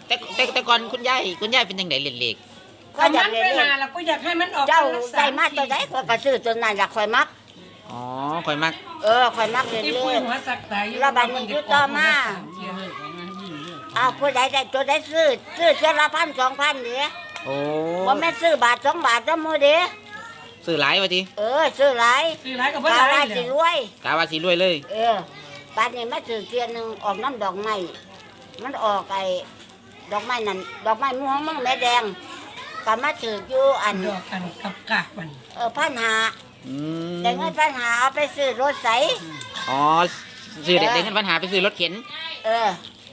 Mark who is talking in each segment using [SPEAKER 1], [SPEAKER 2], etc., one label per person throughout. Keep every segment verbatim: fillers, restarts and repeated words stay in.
[SPEAKER 1] แต่แต่แต่ก่อนคุณยายคุณยายเป็นยังไงเล่นเลข
[SPEAKER 2] ก็อยากเล่นเลขแล้วก็อยากให้มันออก
[SPEAKER 3] เจ้าได้มาตัวใดก็กระซื้อตัวนั้นอยากคอยมัก
[SPEAKER 1] อ๋อข่อยมัก
[SPEAKER 3] เออคอยมักเล่น
[SPEAKER 2] ที่
[SPEAKER 3] เล
[SPEAKER 2] ปุ้ย
[SPEAKER 3] ข
[SPEAKER 2] หัวสักตาย
[SPEAKER 3] แล้วบัดนี้อยู่ต่อมา อ้าวผู้ใดได้ตัวใดซื้อซื้อเจ้าละพันสองพันเด้
[SPEAKER 1] โอ้
[SPEAKER 3] บ่แม่นซื้อบาทสองบาทเด้อมื้อเด้
[SPEAKER 1] ซื้อหลายวะที
[SPEAKER 3] เออซื้อหลาย
[SPEAKER 2] คือไรกับเพื่
[SPEAKER 3] กา
[SPEAKER 2] อนไร
[SPEAKER 3] ว่า
[SPEAKER 2] เล
[SPEAKER 3] สิ
[SPEAKER 2] ย
[SPEAKER 3] รวย
[SPEAKER 1] กาว่าสิรวยเลย
[SPEAKER 3] เออบัดนี้มาซื้อเทียนหนึงออกน้ำดอกไม้มันออกไอ้ดอกไม้นั่นดอกไม้ม่วงมั่งแม่แดงก็มาซื้ออยู่อัน
[SPEAKER 2] ดอกกันกับกากมัน
[SPEAKER 3] เออพันหา
[SPEAKER 1] อืม
[SPEAKER 3] ได้เงินพันหาเอาไปซื้อรถใส
[SPEAKER 1] อ๋อซื้อเด็กเด็กเงินปัญหาไปซื้อรถเข็น
[SPEAKER 3] เออ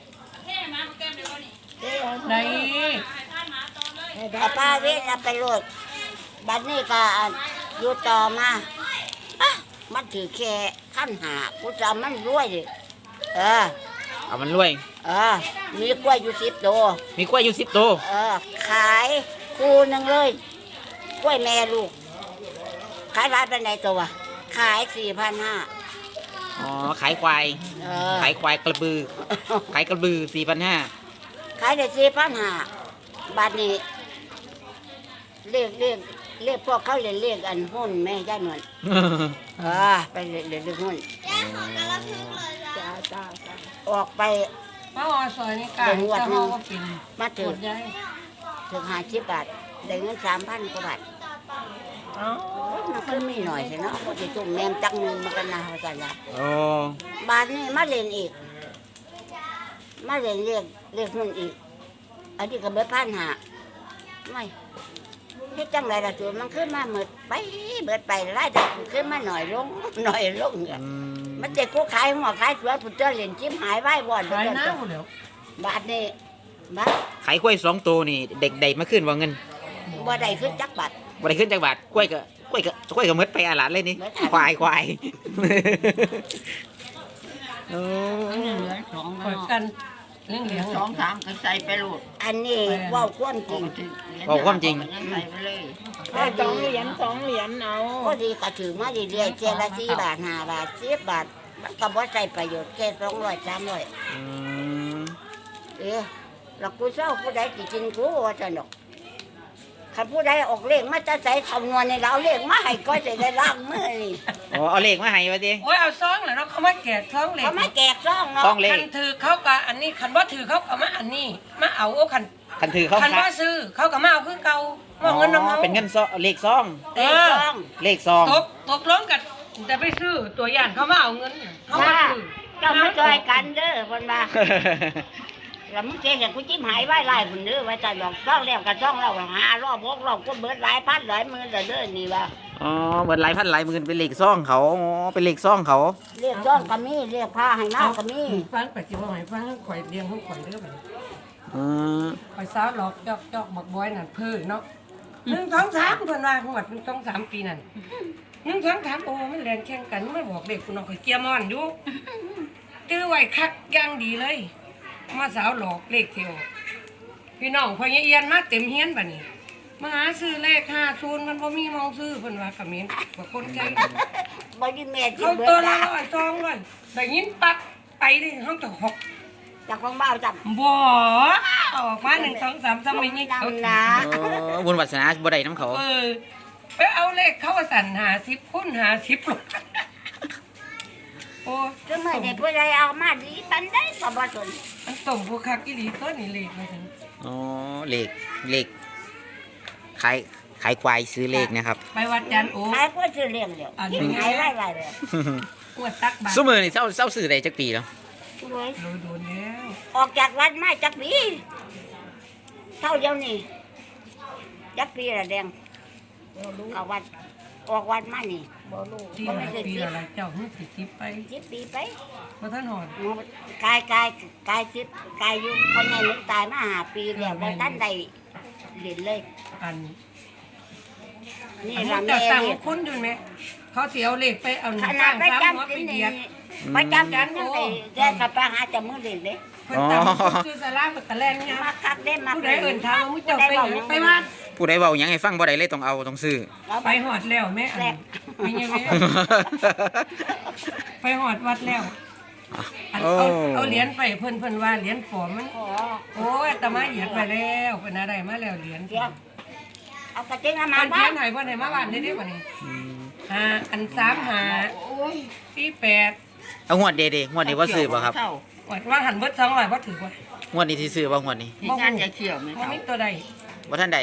[SPEAKER 2] ได้
[SPEAKER 3] เอาป้าเวทเอาไปรถบัดนี้ก็อยู่ต่อมาอ่ะมันถือแค่ขั้นหากูจะเอามันรวยดิเออ
[SPEAKER 1] เอามันรวย
[SPEAKER 3] เออมีกล้วยอยู่สิบตัว
[SPEAKER 1] มีกล้วยอยู่สิบตัว
[SPEAKER 3] เออขายคู่หนึ่งเลยกล้วยแม่ลูก ขายร้านเป็นไหนตัวขายสี่พันห้า
[SPEAKER 1] อ๋อขายควาย
[SPEAKER 3] เออ
[SPEAKER 1] ขายควายกระบือขายกระบือสี่พันห้า
[SPEAKER 3] ขายได้สี่พันห้าบาทนี้เรียกเรียกเรียกพวกเขาเรียกเรียกอันหุ้นแม่ย่าหนวลเออไปเรียกเรียกเรียกหุ้นออกไป
[SPEAKER 2] ป้าอซอยนี่กายจะห้องก็กิน
[SPEAKER 3] มา
[SPEAKER 2] ป
[SPEAKER 3] ถึ
[SPEAKER 2] ว
[SPEAKER 3] ง
[SPEAKER 2] ดใหญ่
[SPEAKER 3] ถึงห้าสิบบาทได้เงินสามพันกว่าบาท
[SPEAKER 2] เอ้า
[SPEAKER 3] มันก็มีหน่อยสิเนาะพอจะจุ่มแมมจังเงินมากันนะเขาจะละ
[SPEAKER 1] โอ้
[SPEAKER 3] บาทนี้มาเล่นอีก มาเล่นเรียกเรียกหุ้นอีก อันนี้ก็เบิดพันหาไม่เฮ็ดจังไรล่ะจูมันขึ้นมาหมดไปเบิดไปรายได้ขึ้นมาหน่อยลงหน่อยลงเนี่ย
[SPEAKER 1] อืม
[SPEAKER 3] มันจะกูขายหัวขายสวนผุดเจ้าเหรียญจิ้มหายไว้บ่อน
[SPEAKER 2] ขายน้ำหมดแล้ว
[SPEAKER 3] บาทนี้บาท
[SPEAKER 1] ขายกล้วยสองตัวนี่เด็กใดมาขึ้นว่าเงิน
[SPEAKER 3] บ่ได้ขึ้นจักบาท
[SPEAKER 1] บ่ได้ขึ้นจากบาทกล้วยก็กล้วยก็กล้วยก็หมดไปอาหลานเลยนี่
[SPEAKER 3] หมดอาหลาน
[SPEAKER 1] ควายควายโอ้
[SPEAKER 4] เหลือสอง
[SPEAKER 2] คอยกันเลี้ยงเลี้ยง
[SPEAKER 4] สองสามก็ใส่ไปโหลด
[SPEAKER 3] อันนี้เว่าความจริง
[SPEAKER 1] บอกความจริง
[SPEAKER 4] ใส่ไปเลย
[SPEAKER 5] สองเหรียญสองเหรียญเอา
[SPEAKER 3] ก็ดีก็ถือมาเรื่อยๆเจดละสี่บาทห้าบาทสิบบาทมันก็บ่ใช้ประโยชน์แค่สองร้อยสามร้อย
[SPEAKER 1] อืม
[SPEAKER 3] เอ๊ะแล้วกูเศร้าผู้ใดสิกินกูว่าจะหนกคันผู้ใดออกเลขมาจะใส่คำนวณในเราเลขมาให้ก็จะได้ล้างมือนี่
[SPEAKER 1] อ๋อเอาเลขมาให้วะที
[SPEAKER 2] โอ้ยเอาซองเหรอเนาะเขามาแกะซองเหล็ก
[SPEAKER 3] เขาไม่แกกซ่องเนาะ
[SPEAKER 1] ซองเลข
[SPEAKER 2] คันถือเขากับอันนี้คันว่าถือเขากับมาอันนี้มาเอาโอ้คัน
[SPEAKER 1] คันถือเขา
[SPEAKER 2] คัน
[SPEAKER 1] ขาย
[SPEAKER 2] ว่าซื้อเขากับมาเอาคือเก่าว่าเงินน้ำเขา
[SPEAKER 1] เป็นเงินซองเลขซอง
[SPEAKER 3] เลขซ่อง
[SPEAKER 1] เลขซอง
[SPEAKER 2] ตกตกลงกันจะไปซื้อตัวอย่างเขามาเอาเงินเขามา
[SPEAKER 3] ว่า
[SPEAKER 2] ซื้อ
[SPEAKER 3] เจ้ามาช่วยกันเด้อคนว่าแล้วมึงเจ๊อย่างกูจิ้มหายไว้ไล่คนเด้อไว้แต่ดอกซ่องแล้วกับซ่องเราหารอบวกรอบก็เบิดหลายพันหลายหมื่นแต่เด้อนี่ว่า
[SPEAKER 1] อ๋อเบิดหลายพันหลายหมื่นเป็นเลขซองเขาอ๋อเป็นเลขซองเขา
[SPEAKER 3] เรียกซ่องก็มีเรียกผ้าให้น้าก็มี
[SPEAKER 2] ฟังไปจิว่าไงฟังทั้งข่อยเลี้ยงทั้งข่อยเด้อไป
[SPEAKER 1] อืม
[SPEAKER 2] ข่อยสาวหลอกจอกจอกบักบอยนั่นเพื่อเนาะหนึ่งสองสามเพิ่นว่าหวดหนึ่งสองสามปีนั่นหนึ่งสองสามโอ้มันแรงแข่งกันไม่บอกเด็กคุณน้องข่อยเกียร์มอนอยู่ตื้อไว้คักอย่างดีเลย มาสาวหลอกเลขเที่ยวพี่น้องพอเอียนมาเต็มเฮียนบัดนี้มาหาซื้อเลขห้าศูนย์มันบ่มีมองซื้อเพิ่นว่าคอมเมนต์ว่าคนใจ
[SPEAKER 3] บ่ได้แม่จิ้
[SPEAKER 2] เขา
[SPEAKER 3] มเบิ
[SPEAKER 2] ตัว
[SPEAKER 3] ด
[SPEAKER 2] ละ
[SPEAKER 3] ละ
[SPEAKER 2] ร้อยซองร้อยได้ยินปั๊บไปดิเฮาจะหก
[SPEAKER 3] จากของบ้าวจับ
[SPEAKER 2] บ่ออกมาหนึ่งสองสามสามไม่นี่เขา
[SPEAKER 3] ดำนะ
[SPEAKER 1] อ๋อบุญวัฒนาบ่ได้น้ำเขา
[SPEAKER 2] เออไปเอาเลขเขาว่าสั่นหาสิบคูณหาสิบลงโอ้
[SPEAKER 3] คือเมื่อใดผู้ใดเอามาดีปันได้ก็บ่สน
[SPEAKER 2] มันส่งผู้คักอีหลีตัวนี่เลขมาถึง
[SPEAKER 1] อ๋อเลขเลขขายขายควายซื้อเลขนะครับ
[SPEAKER 2] ไปวัดจันทร์โอ้
[SPEAKER 3] ขายก็ซื้อเลี้ยงเดียว
[SPEAKER 2] อันนี้
[SPEAKER 3] กินหายไว้ไว้เลย
[SPEAKER 2] อวดตักบาตร
[SPEAKER 1] ซุมือนี่เศร้าเศร้าซื้อได้จักปีแล้ว
[SPEAKER 3] โอ้ย
[SPEAKER 2] โดนโดนแล้ว
[SPEAKER 3] ออกจากวัดมาจักปีเท่าเดียวนี่จักปีละแดงเอาวัดออกวัดมานี่
[SPEAKER 2] ที่หลายปีอะไรเจ้าหึสิทิพไป
[SPEAKER 3] สิบปีไป
[SPEAKER 2] เพราะท่านหอด
[SPEAKER 3] หมู่กายกายกายสิบกายอยู่คนในนึกตายมาหาปีแล้วแล้วท่านใดเรียนเลย
[SPEAKER 2] อัน
[SPEAKER 3] นี่
[SPEAKER 2] อัน
[SPEAKER 3] ละ
[SPEAKER 2] นี้
[SPEAKER 3] แม่
[SPEAKER 2] เจ้าตัง
[SPEAKER 3] เรียน
[SPEAKER 2] คุณอยู่ไหมเขาเสียวเลขไปเอาหนึ่
[SPEAKER 3] ข
[SPEAKER 2] ง
[SPEAKER 3] นา
[SPEAKER 2] สา
[SPEAKER 3] ด
[SPEAKER 2] ม
[SPEAKER 3] ไป
[SPEAKER 2] สามหัว
[SPEAKER 3] จำ
[SPEAKER 2] ไป
[SPEAKER 3] สิน
[SPEAKER 2] เหยียด
[SPEAKER 3] ไปจำกันยังไงแกกับไปหาจมือเรียนเลย
[SPEAKER 2] เพิ่นตามซื้อสลากกับตะแลนเนี่ย
[SPEAKER 3] มาคักได้มา
[SPEAKER 2] ผู้ใดเอิ่นถามว่ามุ้เจ้าไปไหนไปวัด
[SPEAKER 1] ผู้ใดเว้าหยังให้ฟังบ่ได้เลยต้องเอาต้องซื้อ
[SPEAKER 2] ไปหอดแล้วแม่อันมีไงแม่ไปหอดวัดแล้วอันเอาเอาเหรียญไปเพิ่นเพิ่นว่าเหรียญปลอมมัน
[SPEAKER 3] ขอ
[SPEAKER 2] โอ้ยตตมาเหยียดไปแล้วเป็นอะไรมาแล้วเหรียญ
[SPEAKER 3] เดี๋ยวเอากระติกน้ำ
[SPEAKER 2] มั
[SPEAKER 3] มาน บ้า
[SPEAKER 2] เขีย
[SPEAKER 3] น
[SPEAKER 2] นให้บ่ได้มาบ้านได้เด้บ่นี่
[SPEAKER 1] อืม
[SPEAKER 2] ห้าอันสามห้า
[SPEAKER 4] โอ้ย
[SPEAKER 2] สี่แปด
[SPEAKER 1] เอางวดเดเดงวดนี้ว่าซื้อป่ะครับ
[SPEAKER 4] เท่า
[SPEAKER 2] ว่าหันเบิดสองร้อยบ่ถือว่าง
[SPEAKER 1] วดนี้ที่ซื้อป่ะงวดนี้
[SPEAKER 4] ที่งานจะเขี่ยวไหม
[SPEAKER 2] บ่
[SPEAKER 4] เท่า
[SPEAKER 2] มีตัวใด
[SPEAKER 1] ว่าท่านใด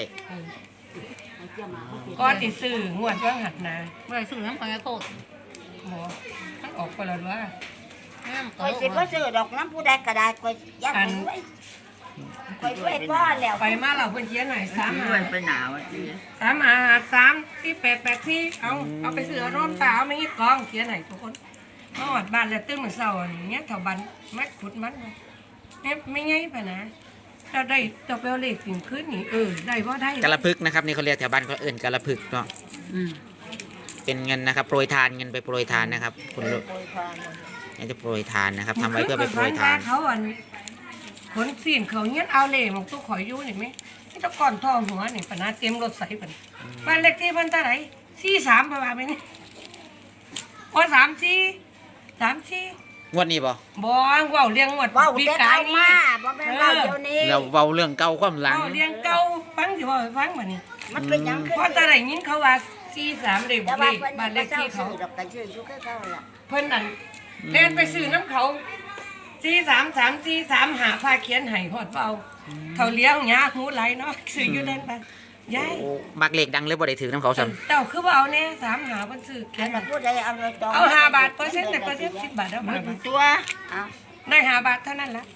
[SPEAKER 2] ก็ติซื้องวดว่าหัดนะ
[SPEAKER 4] เมื่อซื้อน้ำปลาโคตร
[SPEAKER 2] หมอมันออกไปแล้วว่า
[SPEAKER 4] น้ำ
[SPEAKER 3] คอยสิบ่ซื้อดอกน้ำผู้ใดก็ได้คอยยัดไว้คอยไว้ก้อนแล้ว
[SPEAKER 2] ไปมาเราเพิ่นเขียนให้สาม
[SPEAKER 4] ด้
[SPEAKER 2] ห้า
[SPEAKER 4] วยไปหนาวอ่ะจี
[SPEAKER 2] สามห้าสามสี่แปดแปดสี่เอาเอาไปซื้อร่มตาเอาไม่งี้กองเขียนให้ทุกคนมาหอดบ้านแล้วตื่นมื้อเช้าอย่างเงี้ยแถวบ้านมัดขุดมันแม่ไม่ไงปะนะเราได้ตัวเปลเลขถึงขึ้นนี่เออได้บ่ได้
[SPEAKER 1] กะละพึกนะครับนี่เขาเรียกแถวบ้านเขาเอื่นกะละพึกเนาะ
[SPEAKER 4] อืม
[SPEAKER 1] เป็นเงินนะครับโปรยทานเงินไปโปรยทานนะครับคุณลูกนี่จะโปรยทานนะครับทำไว้เพื่อไปโปรยทาน
[SPEAKER 2] เขาอันขนสีนเขาเงี้ยเอาเล่ของตู้ข่อยอยู่นี่ไหมนี่ตะก่อนทองหัวนี่ปะนะเตรียมรถใส่ปันบ้านเล็กที่มันเท่าไหร่สี่สามประมาณนี้โอ้สามสี่สามสี่
[SPEAKER 1] งวดนี้ป่ะ
[SPEAKER 2] บ่ว่าวเลี้ยงหมด
[SPEAKER 3] ว้าว
[SPEAKER 2] ปี
[SPEAKER 3] แต่
[SPEAKER 2] กา
[SPEAKER 3] เอา
[SPEAKER 2] ยนี่
[SPEAKER 3] มาบ่แม่นว่าเดี๋ยวนี้
[SPEAKER 1] เราเว้าเรื่องเก่าความหลัง
[SPEAKER 2] ว่าวเลี้ยงเก่าฟังสิว่าให้ฟังบ่นี่
[SPEAKER 3] มันเป็นหยัง
[SPEAKER 2] เพราะแต่ไหนยินเขาว่าสี่สามเด็ก
[SPEAKER 3] แต่
[SPEAKER 2] เล
[SPEAKER 3] ว่า
[SPEAKER 2] ข
[SPEAKER 3] เพิ่น
[SPEAKER 2] บ้านเล
[SPEAKER 3] บ่
[SPEAKER 2] ข
[SPEAKER 3] เจ้า
[SPEAKER 2] ที่เขา
[SPEAKER 3] ซื้อดอกกันซื้ออยู่คือเขาล่ะ
[SPEAKER 2] เพิ่นนั่นเล่นไปซื้อน้ำเขาสี่สามสามสี่สามหาผ้าเขียนให้หอดเปล่าเขาเลี้ยงหยาหูไหลเนาะซื้ออยู่นั่นไปยาย
[SPEAKER 1] โอ้มักเลขดังเลยบ่ได้ถือน้ำเขาซ้
[SPEAKER 2] เจ้าคือว่าเอาแน่สามหาเพิ่นซื้อเขี
[SPEAKER 3] อั
[SPEAKER 2] ย
[SPEAKER 3] น
[SPEAKER 2] น
[SPEAKER 3] นั้นผู้ใดเอาไปจอง
[SPEAKER 2] เอาห้าบาทเปอร์เซ็นต์แต่เปอร์เซ็นต์สิบบาทเอามา
[SPEAKER 4] ตัว
[SPEAKER 3] เอา
[SPEAKER 2] ได้ห้าบาทเท่านั้นละ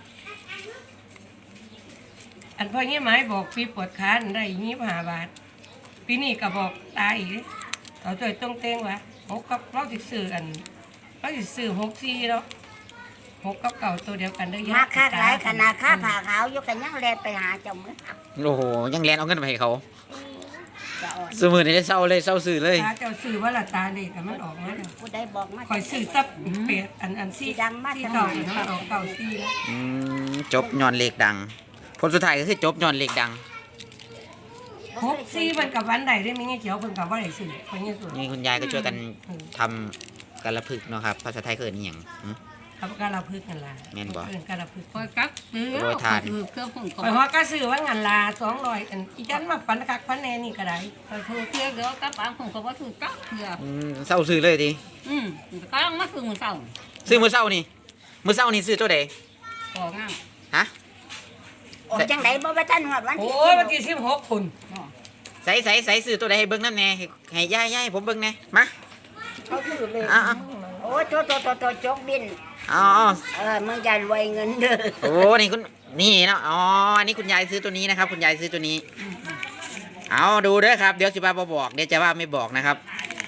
[SPEAKER 2] อันพ่อเงี้ยหมายบอกปีปวดขาได้ยี่สิบห้าบาทปีนี้ก็บอกตายอีกเขาจ่อยต้องเต้งวะหกกับเราสิซื้ออันเราสิซื้อหกสี่เนาะหกกับเก่าตัวเดียวกันได้อ
[SPEAKER 3] มาค้าขายขนาดค้าผ่าขาวอยู่กันยังแลนไปหาเจ้ามือ
[SPEAKER 1] ำโอ้โหยังแลนเอาเงินไปให้เขา
[SPEAKER 3] จะอ่อน
[SPEAKER 1] สมือนี่ได้เศร้าเลยเศร้าสื่อเลย
[SPEAKER 2] ตาเจ้าซื้อว่าละตาเด็กแต่มันออกมาแล้ว
[SPEAKER 3] ผู้ใดบอกมา
[SPEAKER 2] คอยซื้อซับเป็ดอันอันซี่
[SPEAKER 3] สีดังมาก
[SPEAKER 2] ที่เก่าเนาะออกเก่าซี่แล้ว
[SPEAKER 1] อืมจบย้อนเลขดัง ผลสุดท้ายก็คือจบย้อนเลขดัง
[SPEAKER 2] หกซี่มันกับวันใดได้ไหมเงี้ยเขียวเพิ่นกับว่าไหนซื้อเพิ่นเงี้ยสุด
[SPEAKER 1] นี่คุณยายก็ช่วยกันทำกะละพึกเนาะครับภาษาไทยเกิดนี่ยัง
[SPEAKER 2] ครับการเราพึกกันล่ะ
[SPEAKER 1] แม่นบ่
[SPEAKER 2] เอิ้นการเราพึก
[SPEAKER 4] คอยกักซื้อ
[SPEAKER 1] โปรยทาน
[SPEAKER 4] คือเครื่องผง
[SPEAKER 2] คอยฮอดก็ซื้อว่างานลาสองร้อยอันอีจันมาปันคักปันแน่นี่ก็ได้
[SPEAKER 4] คอยถูกเที่ยวเดี๋ยวกับปางผงก็ว่าถูกกักเถื่อ
[SPEAKER 1] อืมเศร้าซื้อเลยที
[SPEAKER 4] อืมก็ต้องมาซื้อมือเศร้า
[SPEAKER 1] ซื้อมือเศร้านี่มือเศร้านี่ซื้อตัวใด
[SPEAKER 4] ของอ่ะ
[SPEAKER 1] ฮะ
[SPEAKER 3] ออกจังไดบ่ว่าท่านฮอดวัน
[SPEAKER 2] โอ้
[SPEAKER 3] ที่
[SPEAKER 2] ยวันที่สิบหกคุณ
[SPEAKER 1] ใส่ใส่ใส่ซื้อตัวใดให้เบิ้งน้ำแน่ให้ให้ย่ายย่ายให้ผมเบิ้งแน่มา
[SPEAKER 3] เขาถือเลย
[SPEAKER 1] เอ้า
[SPEAKER 3] โอ้โตโตโตโตจกบิน
[SPEAKER 1] อ๋อ
[SPEAKER 3] เออมึงอย่ารวยเงินเด้อ
[SPEAKER 1] โอ้นี่คุณนี่เนาะอ๋ออันนี้คุณยายซื้อตัวนี้นะครับ คุณยายซื้อตัวนี้ เอาดูเด้อครับเดี๋ยวสิบ้าบ่บอกเดี๋ยวจะว่าไม่บอกนะครับ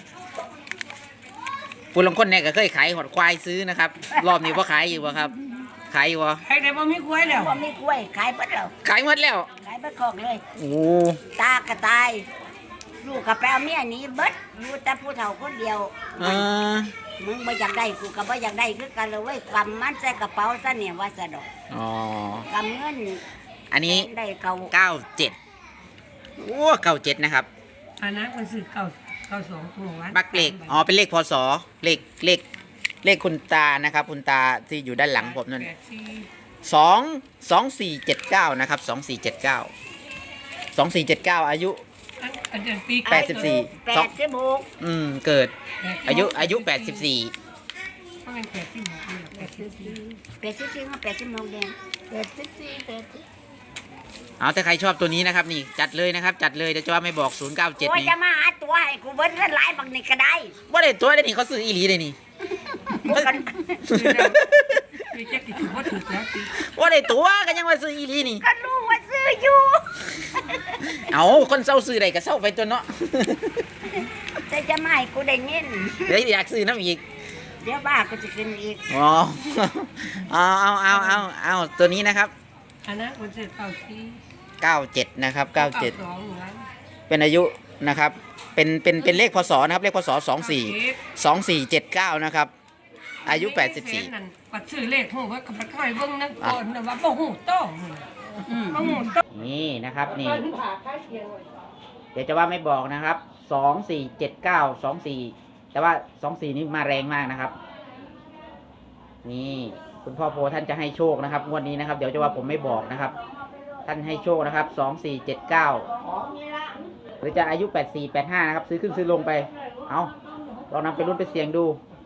[SPEAKER 1] ผู้ลงคนเนี่ยก็เคยขายหอดควายซื้อนะครับ รอบนี้พ่ขายอยู่บ่ครับ ขายอยู่บ่
[SPEAKER 2] ใครได้บ่มีกล้วยแล้ว
[SPEAKER 3] บ่มีกล้วยขายเบิดแล้ว
[SPEAKER 1] ขายหมดแล้ว
[SPEAKER 3] ขายเบิดคอกเลย
[SPEAKER 1] โอ้
[SPEAKER 3] ตากระตาย ลูกกับแปลเมียหนี้เบิดอยู่แต่ผู้เฒ่าคนเดียว
[SPEAKER 1] เออ
[SPEAKER 3] มึงบ่อยากได้กูก็บ่อยากได้คือกันเลยเว้ยกำมันใส่กระเป๋าซะเนี่ยว่าซะดอก
[SPEAKER 1] อ๋อก
[SPEAKER 3] ำเงิน
[SPEAKER 1] อันนี้
[SPEAKER 3] ได้เก่า
[SPEAKER 1] เก้าเจ็ดโอ้เก้าเจ็ดนะครับ
[SPEAKER 2] อันนั้นคนซื้อเก่าเก่าสองตัววัน
[SPEAKER 1] บักเลขอ๋อเป็นเลขพศเลขเลขเลขคุณตานะครับ คุณตาที่อยู่ด้านหลังผมนั่น
[SPEAKER 2] แปดสี่
[SPEAKER 1] สองสองสี่เจ็ดเก้านะครับสองสี่เจ็ดเก้าสองสี่เจ็ดเก้าอายุ
[SPEAKER 2] อันอันเดือนปี
[SPEAKER 1] แปดสิบสี่
[SPEAKER 3] แปดสิบหก
[SPEAKER 1] อืมเกิดอายุอายุแปดสิบสี่
[SPEAKER 2] มันเป็นแปดสิบหกนี่แหละแปดสิบสี่
[SPEAKER 3] แปดสิบสี่ก็แปดสิบหกแดงแปดสิบสี่แปดสิบ
[SPEAKER 1] เอาถ้าใครชอบตัวนี้นะครับนี่จัดเลยนะครับ จัดเลยเดี๋ยวจะว่าไม่บอกศูนย์เก้าเจ็ด
[SPEAKER 3] โอ้ย
[SPEAKER 1] นี่
[SPEAKER 3] จะมาหาตัวให้กูเบิดเงินหลายบักนี่ก็ได้
[SPEAKER 1] ว่าได้ตัวได้นี่เขาซื้ออีหลีเลยนี่
[SPEAKER 3] พวกกัน
[SPEAKER 2] ซื้อแล้วซื้อแจ็คติดถือว่าถูกแล้วปี
[SPEAKER 1] ว่าได้ตัวก็ยังว่าซื้ออีหลีนี่
[SPEAKER 3] ก็รู้ว่าซื้ออยู่
[SPEAKER 1] เอาคนเศร้าซื้อใดก็เศร้าไปตัวเนาะ
[SPEAKER 3] แต่จะมาให้กูได้เงิน
[SPEAKER 1] เดี๋ยวอยากซื้อน้ำอีก
[SPEAKER 3] เดี๋ยวบ้ากูจะกินอีก
[SPEAKER 1] อ๋อเอาเอาเอาเอาเอาตัวนี้นะครับ
[SPEAKER 2] อันนั้นคนซื้อเก่าสี่
[SPEAKER 1] เก้าเจ็ดนะครับเก้าเจ็ด
[SPEAKER 2] สองหนึ่งวัน
[SPEAKER 1] เป็นอายุนะครับ เป็นเป็นเป็นเลขพศนะครับ เลขพศสองสี่สองสี่เจ็ดเก้านะครับ อายุแปดสิบสี่
[SPEAKER 2] นั่นปัดซื้อเลขหูว่ากับปัดเข้าไปเบิ่งนั่นก่อนนะว่าบ่หูโต้บ่หูโต้
[SPEAKER 1] นี่นะครับนี่
[SPEAKER 2] ตอนผ่าค่าเคียงไว้
[SPEAKER 1] เดี๋ยวจะว่าไม่บอกนะครับสองสี่เจ็ดเก้าสองสี่แต่ว่าสองสี่นี่มาแรงมากนะครับ นี่คุณพ่อโพท่านจะให้โชคนะครับงวดนี้นะครับ เดี๋ยวจะว่าผมไม่บอกนะครับท่านให้โชคนะครับสองสี่เจ็ดเก้าหรือจะอายุแปดสี่แปดห้านะครับซื้อขึ้นซื้อลงไปเอาลองนำไปรุ่นไปเสี่ยงดู